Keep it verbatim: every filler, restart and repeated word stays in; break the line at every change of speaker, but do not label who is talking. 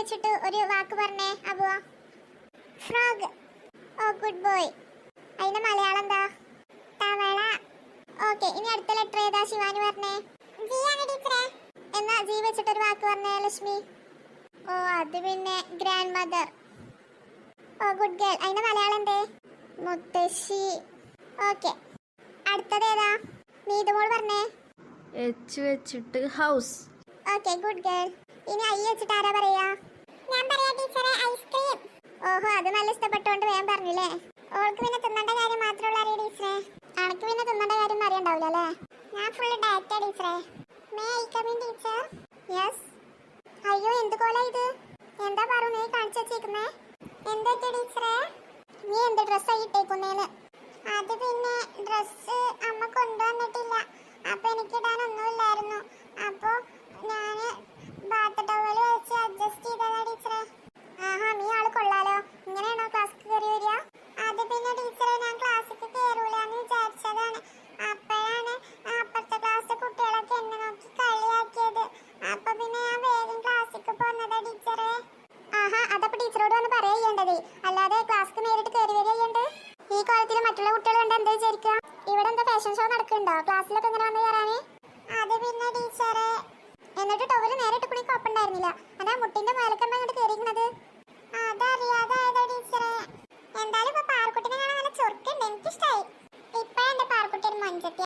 വെച്ചിട്ട് ഒരു വാക്ക് പറഞ്ഞേ അബുവ. ഫ്രോഗ്. Oh good boy. അതിന്റെ മലയാളം എന്താ? തവള. ഓക്കെ, ഇനി അടുത്ത ലെറ്റർ ഏതാ ശിവാനി പറഞ്ഞേ? എന്നാ ജി വെച്ചിട്ട് ഒരു വാക്ക് പറഞ്ഞേ ലക്ഷ്മി. ഓ അത് പിന്നെ grand mother. Oh good girl. അതിന്റെ മലയാളം എന്തേ? മുത്തശ്ശി. ഓക്കെ, അടുത്തത് ഏതാ? നീതുമോൾ പറഞ്ഞേ.
എച്ച് വെച്ചിട്ട് ഹൗസ്.
Okay good girl. ഇനി ഐ വെച്ചിട്ട് ആരാ പറയാ? ഞാൻ പറയാ ടീച്ചറെ, ഐസ്ക്രീം. ഓഹോ, അത് നല്ല ഇഷ്ടപ്പെട്ടോണ്ട് വേഗം പറഞ്ഞില്ലേ. ഓൾക്ക് പിന്നെ തിന്നേണ്ട കാര്യം മാത്രമുള്ള അറിയ ടീച്ചറെ. അനക്ക് പിന്നെ തിന്നേണ്ട കാര്യം അറിയണ്ടാവില്ല അല്ലേ? ഞാൻ ഫുള്ള് ഡയറ്റാ ടീച്ചറെ. May I come in teacher? Yes. അയ്യോ എന്ത് കോലാ ഇത്? എന്താ പറു നീ കാണിച്ചു വെച്ചേക്കുന്നേ? എന്താ ടീച്ചറെ? നീ എന്ത് ഡ്രസ്സായി ഇട്ടേക്കുന്നേന്ന്? അത് പിന്നെ ഡ്രസ്സ് അമ്മ കൊണ്ടുവന്നിട്ടില്ല, അപ്പൊ എനിക്കിടാനൊന്നുമില്ലായിരുന്നു. അപ്പൊ ഞാന് ബാത്ത് ടവല് വെച്ച് അഡ്ജസ്റ്റ് ചെയ്തതാ ടീച്ചറെ. ആഹാ, നീ ആള് കൊള്ളാലോ. ഇങ്ങനെയാണോ ക്ലാസ്സിൽ കയറി വരിക? അത് പിന്നെ ടീച്ചറെ, ഞാൻ ക്ലാസ്സിൽ കയറൂലെന്ന് വിചാരിച്ചതാണ്. അപ്പോഴാണ് അപ്പുറത്തെ ക്ലാസ്സിലെ കുട്ടികളൊക്കെ എന്നെ നോക്കി കളിയാക്കിയത്. അപ്പൊ പിന്നെ ഞാൻ വേഗം ക്ലാസ്സിൽ പോന്നതാ ടീച്ചറെ. ആഹാ, അതപ്പോ ടീച്ചറോട് വന്ന് പറയേണ്ടത്, അല്ലാതെ ക്ലാസ്സിൽ നേരിട്ട് കയറി വരികയുണ്ട്. ഈ കാലത്തിൽ മറ്റുള്ള കുട്ടികൾ കണ്ട് എന്താ വിചാരിക്കുക? ഇവിടെ എന്താ ഫാഷൻ ഷോ നടക്കുന്നുണ്ടോ ക്ലാസ്സിലൊക്കെ ഇങ്ങനെ വന്ന് കയറാന്? അത് പിന്നെ ടീച്ചറെ. എന്നിട്ട് ടവല് നേരിട്ട് കുടി കുഴപ്പമുണ്ടായിരുന്നില്ല. അതാ മുട്ടിന്റെ മേലക്കമ്മ അങ്ങോട്ട് കയറിയിരിക്കുന്നത്. അതറിയാതായതാ ടീച്ചറെ. എന്തായാലും ഇപ്പൊ പാർക്കുട്ടിനെ കാണാൻ നല്ല ചൊറുക്കുണ്ട്, എനിക്കിഷ്ടായി. ഇപ്പഴെന്റെ പാർക്കുട്ടി ഒരു മഞ്ചത്തി.